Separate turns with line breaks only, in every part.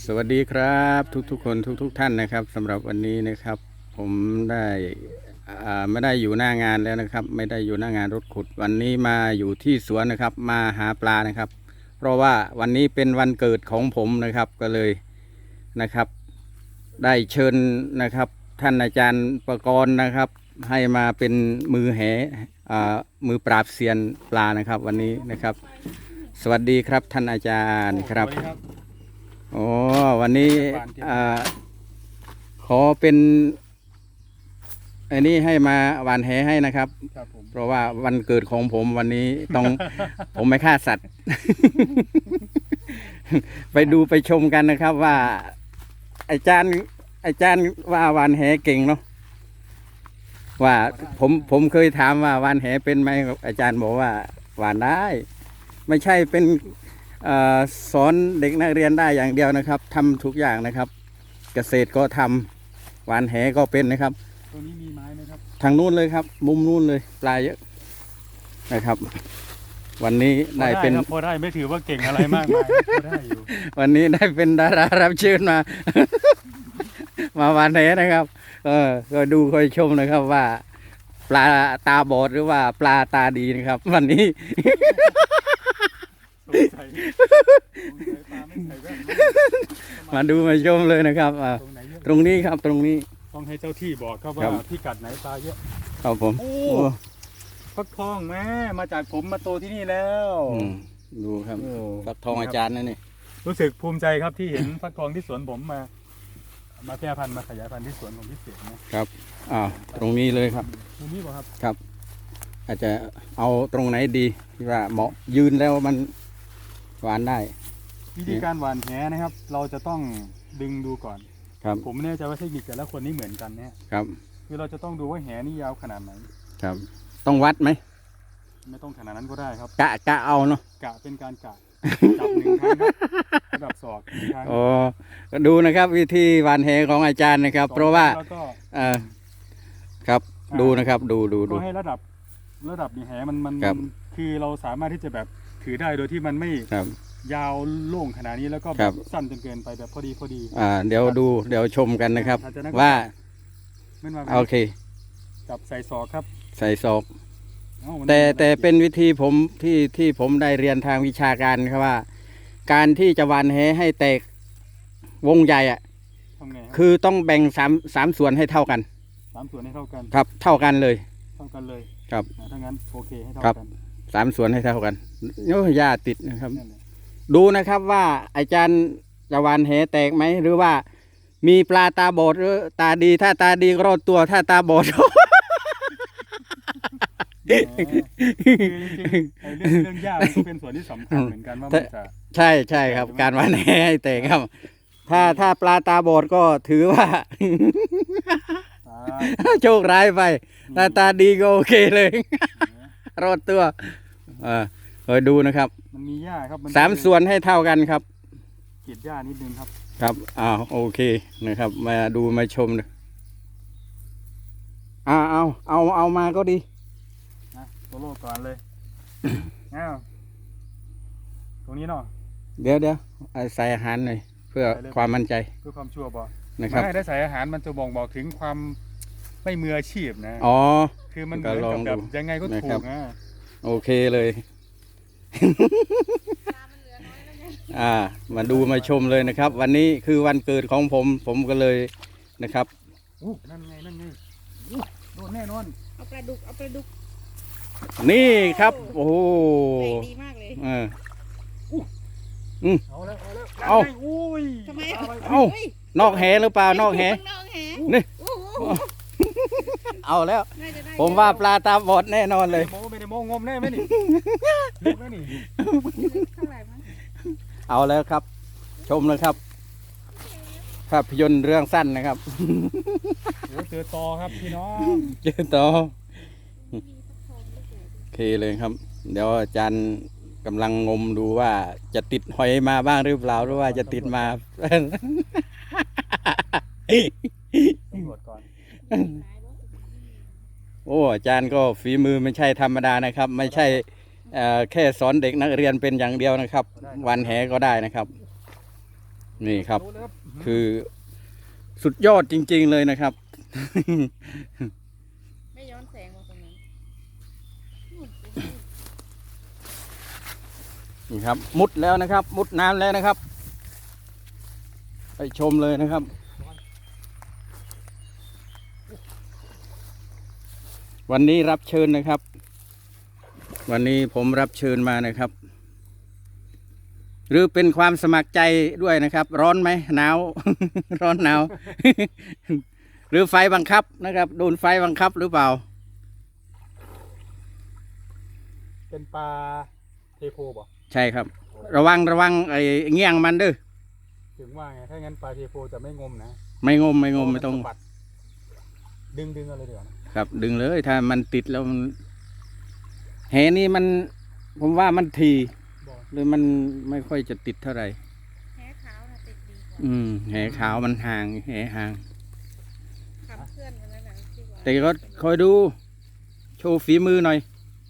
สวัสดีครับทุกๆคนทุกท่านนะครับสำหรับวันนี้นะครับ ผมได้ไม่ได้อยู่หน้างานแล้วนะครับ ไม่ได้อยู่หน้างานรถขุดวันนี้มาอยู่ที่สวนนะครับ มาหาปลานะครับ เพราะว่าวันนี้เป็นวันเกิดของผมนะครับก็เลยนะครับ ได้เชิญนะครับ ท่านอาจารย์ประกรณ์นะครับ ให้มาเป็นมือแหมือปราบเซียนปลานะครับ วันนี้นะครับ สวัสดีครับท่านอาจารย์ครับโอ้วันนี้ขอเป็นอันนี้ให้มาหวานแหให้นะครับ เพราะว่าวันเกิดของผมวันนี้ต้อง ผมไม่ฆ่าสัตว์ ไปดูไปชมกันนะครับว่าอาจารย์ว่าหวานแหเก่งเนาะว่าผมเคยถามว่าหวานแหเป็นไหมอาจารย์บอกว่าหวานได้ไม่ใช่เป็นสอนเด็กนักเรียนได้อย่างเดียวนะครับทำทุกอย่างนะครับ เกษตรก็ทำหวานแหก็เป็นนะครับ
ตรงนี้มีไม้ไหมครับ
ทางนู้นเลยครับมุมนู้นเลยปลาเยอะนะครับ วันนี้ได้เป็น
พอได้ไม่ถือว่าเก่งอะไรมากมายพอได้อยู่
วันนี้ได้เป็นดารารับเชิญมา มาหวานแหนะครับก็ดูคอยชมนะครับว่า ปลาตาบอดหรือว่าปลาตาดีนะครับ วันนี้ มาดูมาชมเลยนะครับตรงนี้ครับตรงนี้
ต้องให้เจ้าที่บอกครับว่าพิกัดไหนปลาเยอะ
ครับผม
โอ้ฟักทองแม่มาจากผมมาโตที่นี่แล้ว
ดูครับฟักทองอาจารย์นั่นนี่
รู้สึกภูมิใจครับที่เห็นฟักทองที่สวนผมมาแพร่พันธุ์มาขยายพันธุ์ที่สวนของพี่เสก
นะครับตรงนี้เลยครับ
ตรงนี้ป่ะครับ
ครับอาจจะเอาตรงไหนดีที่ว่าเหมาะยืนแล้วมันหวานได้
วิธีการหวานแหนะครับเราจะต้องดึงดูก่อน
ครับ
ผมไม่แน่ใจว่าเทคนิคแต่ละคนนี่เหมือนกันเนี่ย
ครับ
คือเราจะต้องดูว่าแหนี่ยาวขนาดไหน
ครับต้องวัดไหม
ไม่ต้องขนาดนั้นก็ได้ครับ
กะเอาเนาะ
กะเป็นการกะจับหนึ่งครั้งครับระดับศอกครั้ง
ก็ดูนะครับวิธีหวานแหของอาจารย์นะครับเพราะว่าครับดูนะครับดู
ก็ให้ระดับนี่แหมันคือเราสามารถที่จะแบบถือได้โดยที่มันไม่ยาวโล่งขนาดนี้แล้วก็สั้นจนเกินไปแบบพอดี
เดี๋ยวชมกันนะครับว่าโอเค
จับใส่ศอกครับ
ใส่ศอกแต่เป็นวิธีผมที่ผมได้เรียนทางวิชาการครับว่า การที่จะหวานแหให้แตกวงใหญ่คือต้องแบ่งสามส่วนให้เท่ากัน
3 ส่วนให้เท่ากัน
ครับเท่ากันเลย
ครับถ้างั้นโอเคให้เท่ากัน
3 ส่วนให้เท่ากันโอ้ยาติดนะครับดูนะครับว่าอาจารย์จะหวานแหแตกไหมหรือว่ามีปลาตาบอดหรือตาดีถ้าตาดีก็รอดตัวถ้าตาบอด
เรื่องยากมันก็เป็นส่วนที่สำคัญเหมือนกันว่ามันจะ
ใช่ครับการหวานแหให้แตกครับถ้าปลาตาบอดก็ถือว่าโชคร้ายไปถ้าตาดีก็โอเคเลยรอดตัวคอยดูนะครับ
มันมีหญ้าครับ
3 ส่วนให้เท่ากันครับ
กรีดหญ้านิดนึงครับ
ครับโอเคนะครับมาดูมาชมเลยเอามาก็ดี
โซโล่ก่อนเลยตรงนี้เนาะ
เดี๋ยวใส่อาหารหน่อยเพื่อความมั่นใจ
เพื่อความชัวร์บอก
นะครับ
ถ้าใส่อาหารมันจะบอกถึงความไม่มืออาชีพนะคือมันเหมือนกับแบบยังไงก็ถูกนะ
โอเคเลยมาดูมาชมเลยนะครับวันนี้คือวันเกิดของผมก็เลยนะครับ
นั่นไงโดนแน่นอน
เอาปลาดุก
นี่ครับโอ้โห
ดีมากเลย
เอา
ทำไม
นอกแหหรือเปล่านอกแหนี่เอาแล้วผมว่าปลาตาบอดแน่นอนเลย
ไม่ได้โมงมแน่ไหมนี่
เอาแล้วครับชมเลยครับภาพยนตร์เรื่องสั้นนะครับ
เจอต่อครับพี่น้อง
เจอต่อโอเคเลยครับเดี๋ยวอาจารย์กำลังงมดูว่าจะติดหอยมาบ้างหรือเปล่าหรือว่าจะติดมา
ตำรวจก่อน
โอ้อาจารย์ก็ฝีมือไม่ใช่ธรรมดานะครับไม่ใช่แค่สอนเด็กนักเรียนเป็นอย่างเดียวนะครับวันแหก็ได้นะครับนี่ครับ
ดูเลยครับ
คือสุดยอดจริงๆเลยนะครับ
ไม่ย้อนแสงมาตรงนั้น
นี่ครับ มุดแล้วนะครับ มุดน้ำแล้วนะครับ ไปชมเลยนะครับ วันนี้รับเชิญนะครับ วันนี้ผมรับเชิญมานะครับ หรือเป็นความสมัครใจด้วยนะครับ ร้อนไหมหนาว ร้อนหนาว หรือไฟบังคับนะครับ โดนไฟบังคับหรือเปล่า
เป็นปลาเทโพบ่
ใช่ครับ ระวังไอ้เงี้ยงมันเด้อ
ถึงว่าไงถ้างั้นปลาเทโพจะไม่งมนะ
ไม่งมไม่ต้อง
สะบัดดึงอะไรเดี๋ยวนะครับ
ดึงเลยถ้ามันติดแล้วมันแหนี่มัน ผมว่ามันที
บอก
หรือมันไม่ค่อยจะติดเท่าไหร่
แค่ขาวนะติดดีกว่า
แหขาวมันห่างแหห่าง
ขับเพื่อนกันแล้วนะที่ว่า
แต่ก็คอยดู โชว์ฝีมือหน่อย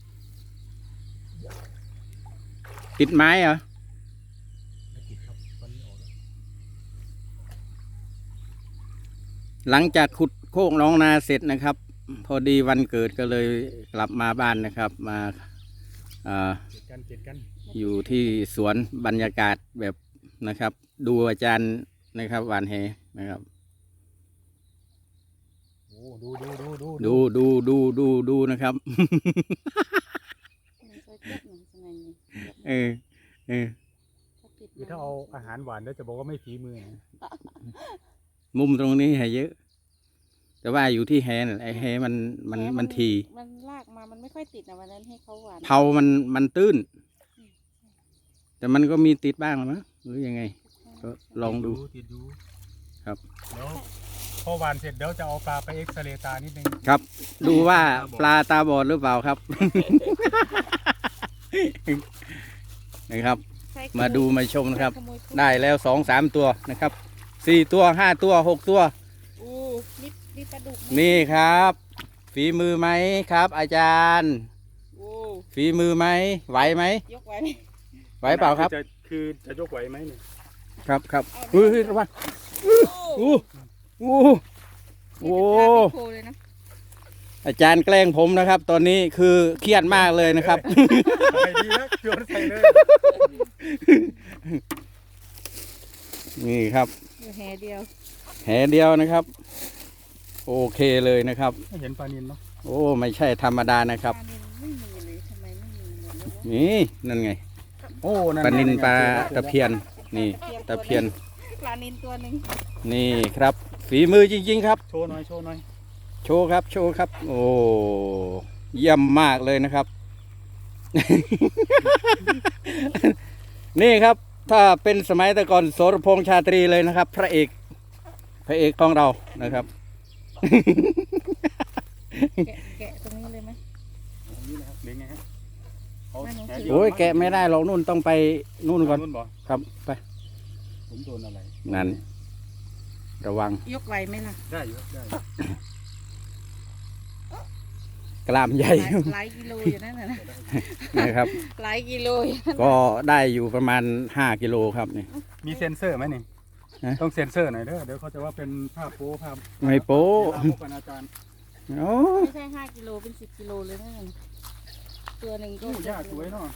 ติดไม้เหรอ
ไม่ติดครับตอนนี้ออกแล้ว
หลังจากขุดโคกน้องนาเสร็จนะครับ พอดีวันเกิดก็เลยกลับมาบ้านนะครับ มา
เจ็ดกัน
อยู่ที่สวนบรรยากาศแบบนะครับ ดูอาจารย์นะครับหวานแหนะครับ
โอ้ดู
นะครับ
มันเคยเทียบหนึ่งสมัยนี้
เออ
ถ้าติด
คือถ้าเอาอาหารหวานแล้วจะบอกว่าไม่ฝีมือนะ
มุมตรงนี้แหเยอะ แต่ว่าอยู่ที่แหนั่นไอ้แหมันที
มันลากมามันไม่ค่อยติดนะวันนั้นให้เขาหวาน
เผามันตื้น แต่มันก็มีติดบ้างมั้งหรือยังไง ก็ลองดู
ติดดู
ครับ
เดี๋ยวพอหวานเสร็จเดี๋ยวจะเอาปลาไปเอ็กซเรย์ตานิดนึง
ครับ ดูว่าปลาตาบอดหรือเปล่าครับ นะครับ
ใช่
มาดูมาชมนะครับ
ขโมย
ได้แล้ว2-3 ตัวนะครับ4 ตัว5 ตัว6 ตัว
อู้นี่ปลาดุก
นี่ครับ ฝีมือไหมครับ อาจารย์
โอ้
ฝีมือไหมไหวไหม
ยกไว้ไหม
ไหวเปล่าครับ
คือจะยกไหวไหมเนี่ย
ครับ
เอา
เฮ้ยระวัง
โอ้
อู้โอ้
นี่เป็นปลาพิโคเลยนะ
อาจารย์แกล้งผมนะครับ ตอนนี้คือเครียดมากเลยนะครับ
ใส่ดีนะโยนใส่เลย
นี่ครับ
อยู่แหเดียว
แหเดียวนะครับ โอเคเลยนะครับ
ไม่เห็นปลานิลเนาะ
โอ้ไม่ใช่ธรรมดานะครับ
ปลานิลไม่มีเลยทำไมไม่มีหมดเลยวะ
นี่นั่นไง
โอ้
ปลานิลปลาตะเพียน นี่ตะเพียน
ปลานิลตัวหนึ่ง
นี่ครับ ฝีมือจริงๆครับ
โชว์หน่อย
โชว์ครับ โอ้เยี่ยมมากเลยนะครับ นี่ครับ ถ้าเป็นสมัยแต่ก่อนโสรพงษ์ชาตรีเลยนะครับ พระเอกของเรานะครับ
แกะตรงนี้เลยไหม
นี่นะครับหรือไงฮะเอา
ไม่หนู
แห
ถื
เดีว
โอ้ยแกะไม่ได้หรอกนู่นต้องไปนู่นก่อน
นู่นบ่
ครับไป
ผมโดนอะไร
นั่นระวัง
ยกไหวไหมล่ะ
ได้อยู่ครับได้
กล้ามใหญ่
หลายกิโลอยู่นั่นน่ะนะ
นะครับ
หลายกิโลอยู่นั่น
ก็ได้อยู่ประมาณ5 กิโลครับนี่
มีเซ็นเซอร์ไหมนี่
ฮะ
ต้องเซ็นเซอร์หน่อยเด้อเดี๋ยวเขาจะว่าเป็นภาพโป๊ภาพ
ไม่โป๊
ภาพพวกอาจารย์
โอ้
ไม่ใช่5 กิโลเป็น10 กิโลเลยนั่นน่ะตัวหนึ่งก็
โอ้ยากสวยเนาะ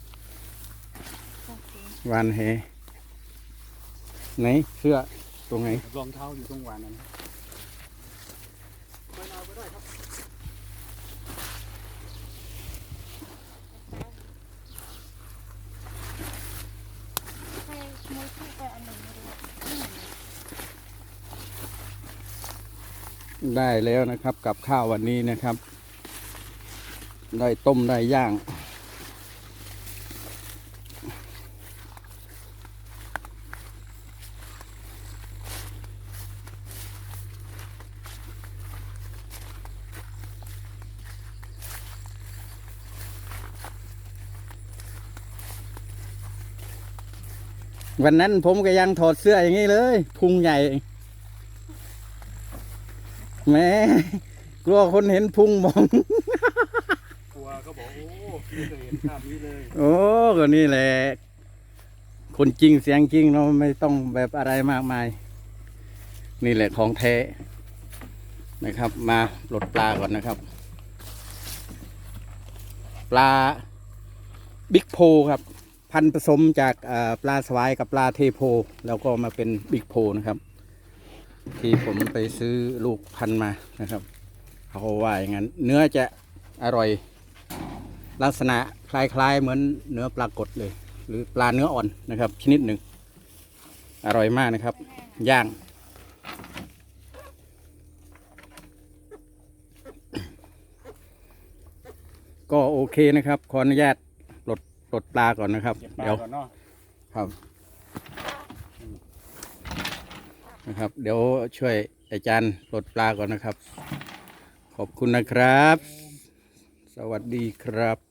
วานเฮไหนเสื้อตรงไหน
รองเท้าอยู่ตรงหวานนั้น
ใครขโมยเข้าไปอันหนึ่งไม่รู้
ได้แล้วนะครับ กับข้าววันนี้นะครับ ได้ต้มได้ย่าง วันนั้นผมก็ยังถอดเสื้ออย่างนี้เลย พุงใหญ่แหม่กลัวคนเห็นพุงมอง
กลัวเขาบอกโอ้ไม่เคยเห็นภาพนี้เลย
โอ้ก็นี่แหละคนจริงเสียงจริงเราไม่ต้องแบบอะไรมากมาย นี่แหละของแท้นะครับ มาปลดปลาก่อนนะครับ ปลาบิ๊กโพครับ พันธุ์ผสมจากปลาสวายกับปลาเทโพ แล้วก็มาเป็นบิ๊กโพนะครับ ที่ผมไปซื้อลูกพันธุ์มานะครับเขาว่าอย่างนั้นเนื้อจะอร่อย ลักษณะคล้ายๆเหมือนเนื้อปลากดเลย หรือปลาเนื้ออ่อนนะครับ ชนิดหนึ่งอร่อยมากนะครับ ย่าง ก็โอเคนะครับ ขออนุญาตปลดปลาก่อนนะครับ
เก็บปลา
เดี๋ยว
ก่อนเนาะ
ครับนะครับ เดี๋ยวช่วยอาจารย์ปลดปลาก่อนนะครับ ขอบคุณนะครับ สวัสดีครับ